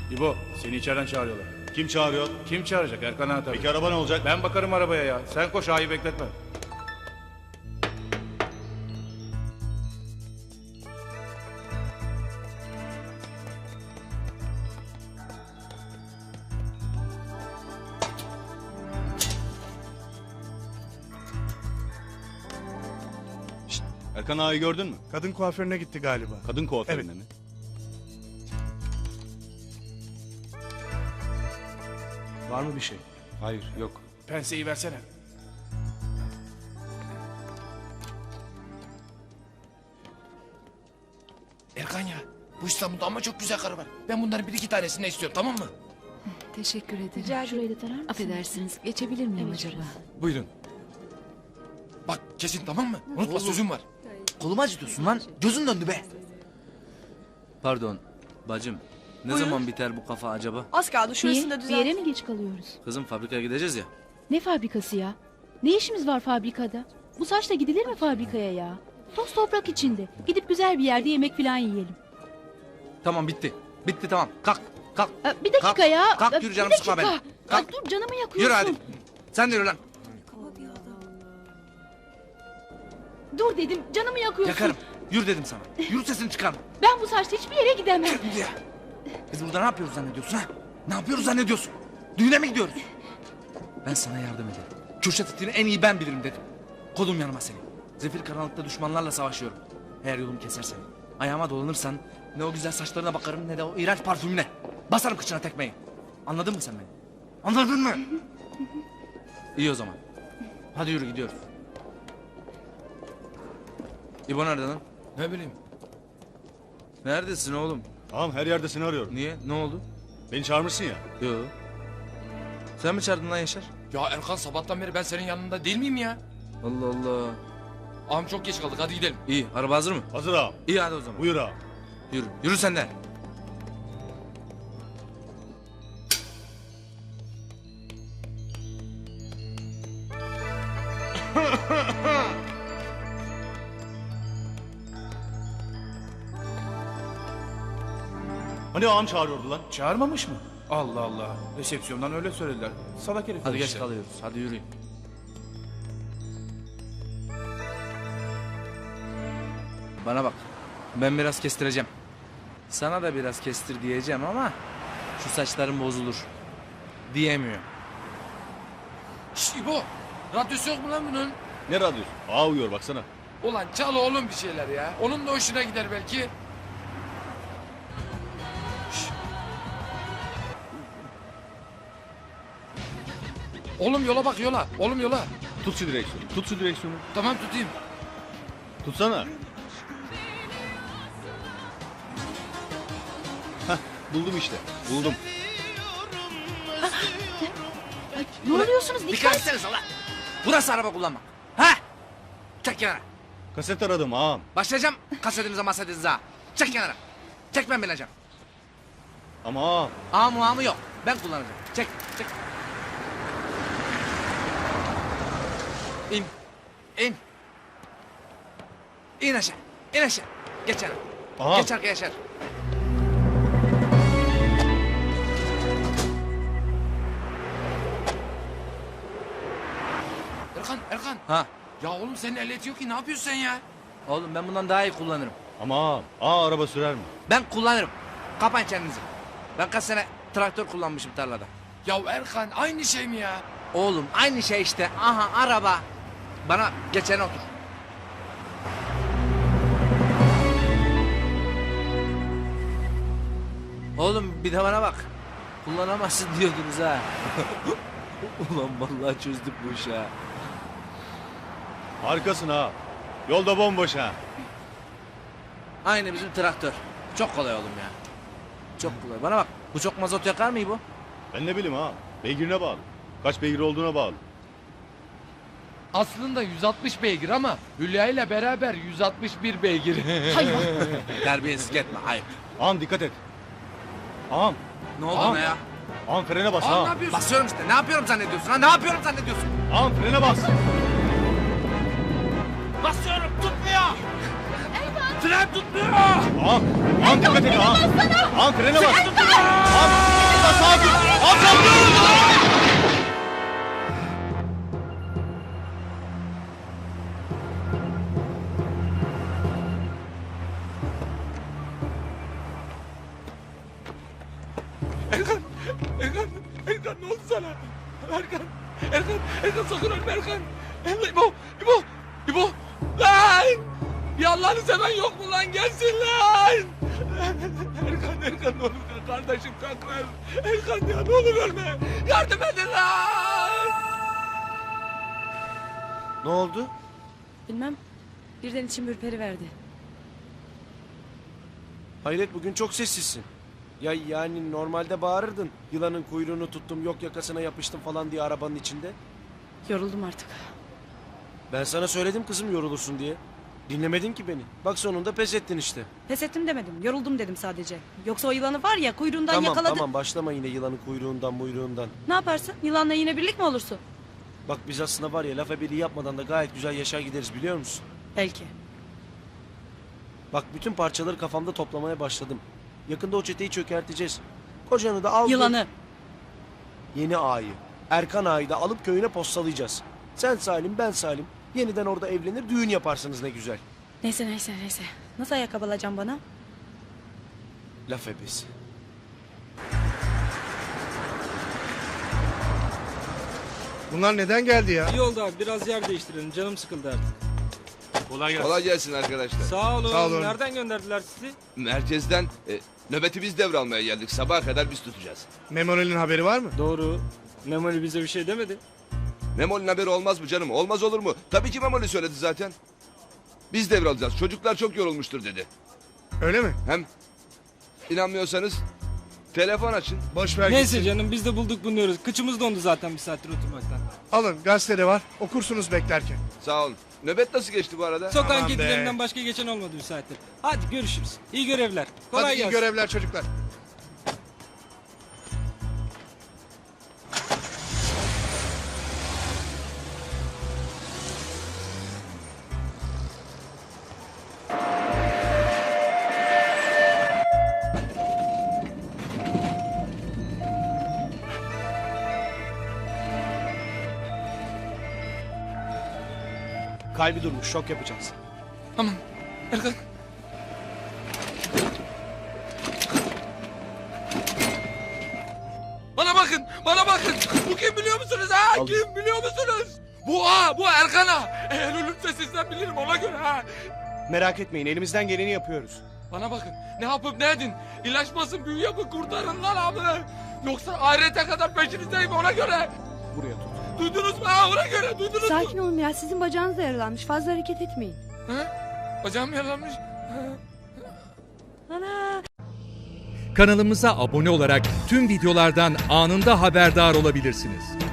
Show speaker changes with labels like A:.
A: İbo, seni içeriden çağırıyorlar.
B: Kim çağırıyor?
A: Kim çağıracak? Erkan ağa tabii.
B: Peki araba ne olacak?
A: Ben bakarım arabaya ya. Sen koş, ağayı bekletme.
B: Erkan ağayı gördün mü?
C: Kadın kuaförüne gitti galiba.
B: Kadın kuaförüne
C: Evet.
B: mi?
C: Var mı bir şey?
B: Hayır, yok.
A: Penseyi versene.
D: Erkan ya, bu İstanbul'da ama çok güzel karı var. Ben bunların bir iki tanesini istiyorum, tamam mı?
E: Teşekkür ederim.
F: Şurayı da tarar mısın?
E: Affedersiniz. Geçebilir miyim acaba?
D: Buyurun. Bak kesin, tamam mı? Unutma, sözüm var.
G: Kolumu acıtıyorsun lan. Gözün döndü be.
H: Pardon bacım. Ne zaman biter bu kafa acaba?
F: Az kaldı, şurasını da
I: Niye? Bir
F: düzelt.
I: yere mi geç kalıyoruz?
H: Kızım fabrikaya gideceğiz ya.
I: Ne fabrikası ya? Ne işimiz var fabrikada? Bu saçla gidilir mi fabrikaya ya? Toz toprak içinde. Gidip güzel bir yerde yemek falan yiyelim.
H: Tamam bitti. Bitti tamam. Kalk. Kalk.
I: Bir dakika
H: Kalk,
I: ya.
H: kalk, yürü canım,
I: bir
H: sıkma
I: dakika.
H: beni. Kalk.
I: Dur canımı yakıyorsun.
H: Yürü hadi. Sen de yürü lan.
I: Dur dedim canımı yakıyorsun.
H: Yakarım. Yürü dedim sana. Yürü sesini çıkarma.
I: Ben bu saçla hiçbir yere gidemem.
H: Yürü ya. Biz burada ne yapıyoruz zannediyorsun ha? Ne yapıyoruz zannediyorsun? Düğüne mi gidiyoruz? Ben sana yardım ederim. Kürşat itini en iyi ben bilirim dedim. Kolum yanıma seni. Zefir karanlıkta düşmanlarla savaşıyorum. Eğer yolumu kesersen, ayağıma dolanırsan ne o güzel saçlarına bakarım ne de o iğrenç parfümüne. Basarım kıçına tekmeyi. Anladın mı sen beni? Anladın mı? İyi o zaman. Hadi yürü gidiyoruz. İbo nerede lan?
D: Ne bileyim.
H: Neredesin oğlum?
B: Ağam her yerde seni arıyorum.
H: Niye? Ne oldu?
B: Beni çağırmışsın ya.
H: Yo. Sen mi çağırdın lan Yaşar?
D: Ya Erkan, sabahtan beri ben senin yanında değil miyim ya?
H: Allah Allah.
D: Ağam çok geç kaldık, hadi gidelim.
H: İyi, araba hazır mı?
B: Hazır ağam.
H: İyi hadi o zaman.
B: Buyur ağam.
H: Yürü. Yürü sen de.
B: Hani ağam çağırıyordu lan?
A: Çağırmamış mı? Allah Allah. Resepsiyondan öyle söylediler. Salak herif.
H: Hadi geç
A: işte.
H: kalıyoruz. Hadi yürüyün. Bana bak. Ben biraz kestireceğim. Sana da biraz kestir diyeceğim ama şu saçların bozulur. Diyemiyor.
D: Şş İbo, radyosu yok mu lan bunun?
B: Ne radyosu? Ağa uyuyor baksana.
D: Ulan çal oğlum bir şeyler ya. Onun da hoşuna gider belki. Şş. Oğlum yola bak, yola. Oğlum yola.
B: Tut şu direksiyonu. Tut şu direksiyonu.
D: Tamam, tutayım.
B: Tutsana. Hah, buldum işte. Buldum.
I: Ne oluyorsunuz?
H: Dikkat
I: Dikkat.
H: etsenize lan. Burası araba kullanmak. Ha? Çek kenara.
B: Kaset aradım ağam.
H: Başlayacağım kasetinize masetinize ha. Çek kenara. Çek, ben bileceğim.
B: Ama ağam.
H: Ağamı ağamı yok. Ben kullanacağım. Çek. Çek. İn. İn. İn aşağı. İn aşağı. Geç yana.
B: Ağam.
H: Geç arkaya Yaşar.
D: Erkan.
H: Ha.
D: Ya oğlum senin ehliyeti yok ki, ne yapıyorsun sen ya?
H: Oğlum ben bundan daha iyi kullanırım.
B: Ama ağam. Ağa araba sürer mi?
H: Ben kullanırım. Kapayın kendinizi. Ben kaç sene traktör kullanmışım tarlada.
D: Ya Erkan, aynı şey mi ya?
H: Oğlum aynı şey işte. Aha araba. Bana geçene otur. Oğlum bir de bana bak. Kullanamazsın diyordunuz ha. Ulan vallahi çözdük bu işi ha.
B: Harikasın ağam. Yolda bomboş ha.
H: Aynı bizim traktör. Çok kolay oğlum ya. Çok kolay. Bana bak. Bu çok mazot yakar mı bu?
B: Ben ne bileyim ağam. Beygirine bağlı. Kaç beygir olduğuna bağlı.
D: Aslında 160 beygir ama Hülya ile beraber 161 beygir.
I: Hayvan.
H: Terbiyesizlik etme. Ayıp.
B: Ağam dikkat et. Ağam.
H: Ne oldu
B: Ağam.
H: ona ya?
B: Ağam frene bas
D: Aa, ne
B: ağam.
D: yapıyorsun?
H: Basıyorum işte. Ne yapıyorum zannediyorsun ha? Ne yapıyorum zannediyorsun?
B: Ağam frene bas.
H: Basıyorum. Tutmuyor.
A: Tren tutmuyor.
B: Ağam dikkat et ağam. Ağam frene bas. Ağam sakin. Ağam sakin.
D: Erkan ne oldu sana? Erkan sakın ölme Erkan. İbo. Lan! Bir Allah'ını seven yok mu lan? Gelsin lan! Erkan ne olur kardeşim kalkmaz. Erkan ya ne olur ölme. Yardım edin lan!
C: Ne oldu?
E: Bilmem. Birden içim ürperiverdi.
F: Hayret bugün çok sessizsin. Ya yani normalde bağırırdın. Yılanın kuyruğunu tuttum, yok yakasına yapıştım falan diye arabanın içinde.
E: Yoruldum artık.
F: Ben sana söyledim kızım yorulursun diye. Dinlemedin ki beni. Bak sonunda pes ettin işte.
E: Pes ettim demedim. Yoruldum dedim sadece. Yoksa o yılanı var ya kuyruğundan
F: Tamam
E: yakaladı.
F: tamam başlama yine yılanın kuyruğundan muyruğundan.
E: Ne yaparsın? Yılanla yine birlik mi olursun?
F: Bak biz aslında var ya laf ebeliği yapmadan da gayet güzel yaşar gideriz biliyor musun?
E: Belki.
F: Bak bütün parçaları kafamda toplamaya başladım. Yakında o çeteyi çökerteceğiz. Kocanı da al.
E: Yılanı.
F: Yeni ağayı. Erkan ağayı da alıp köyüne postalayacağız. Sen Salim ben Salim. Yeniden orada evlenir düğün yaparsınız ne güzel.
E: Neyse. Nasıl ayakkabı alacağım bana?
F: Laf ebesi.
C: Bunlar neden geldi ya?
J: İyi oldu abi biraz yer değiştirelim canım sıkıldı artık.
A: Kolay gelsin.
K: Kolay gelsin arkadaşlar.
J: Sağ olun.
C: Sağ olun.
J: Nereden gönderdiler sizi?
K: Merkezden nöbeti biz devralmaya geldik. Sabaha kadar biz tutacağız.
C: Memoli'nin haberi var mı?
J: Doğru. Memoli bize bir şey demedi.
K: Memoli'nin haberi olmaz mı canım? Olmaz olur mu? Tabii ki Memoli söyledi zaten. Biz devralacağız. Çocuklar çok yorulmuştur dedi.
C: Öyle mi?
K: Hem inanmıyorsanız telefon açın.
C: Boş ver
J: Neyse
C: gitsin.
J: canım biz de bulduk bulunuyoruz. Kıçımız dondu zaten bir saattir oturmaktan.
C: Alın gazetede var. Okursunuz beklerken.
K: Sağ olun. Nöbet nasıl geçti bu arada?
J: Sokağın
C: Aman be.
J: kedilerinden başka geçen olmadı bir saattir. Hadi görüşürüz. İyi görevler. Kolay
C: Hadi iyi
J: gelsin.
C: görevler çocuklar.
F: Kalbi durmuş şok yapacağız.
D: Aman Erkan. Bana bakın. Bu kim biliyor musunuz ha? Kim biliyor musunuz? Bu Erkan ha. Eğer ölürse sizden bilirim ona göre ha.
F: Merak etmeyin elimizden geleni yapıyoruz.
D: Bana bakın. Ne yapıp ne edin? İlaçmasın, büyü yapın, kurtarın lan abi. Yoksa ahirete kadar peşinizdeyim ona göre.
F: Buraya tut.
D: Duydunuz mu ha ona göre? Duydunuz mu?
I: Sakin olun ya sizin bacağınız da yaralanmış. Fazla hareket etmeyin.
D: Ha? Bacağım yaralanmış.
L: Kanalımıza abone olarak tüm videolardan anında haberdar olabilirsiniz.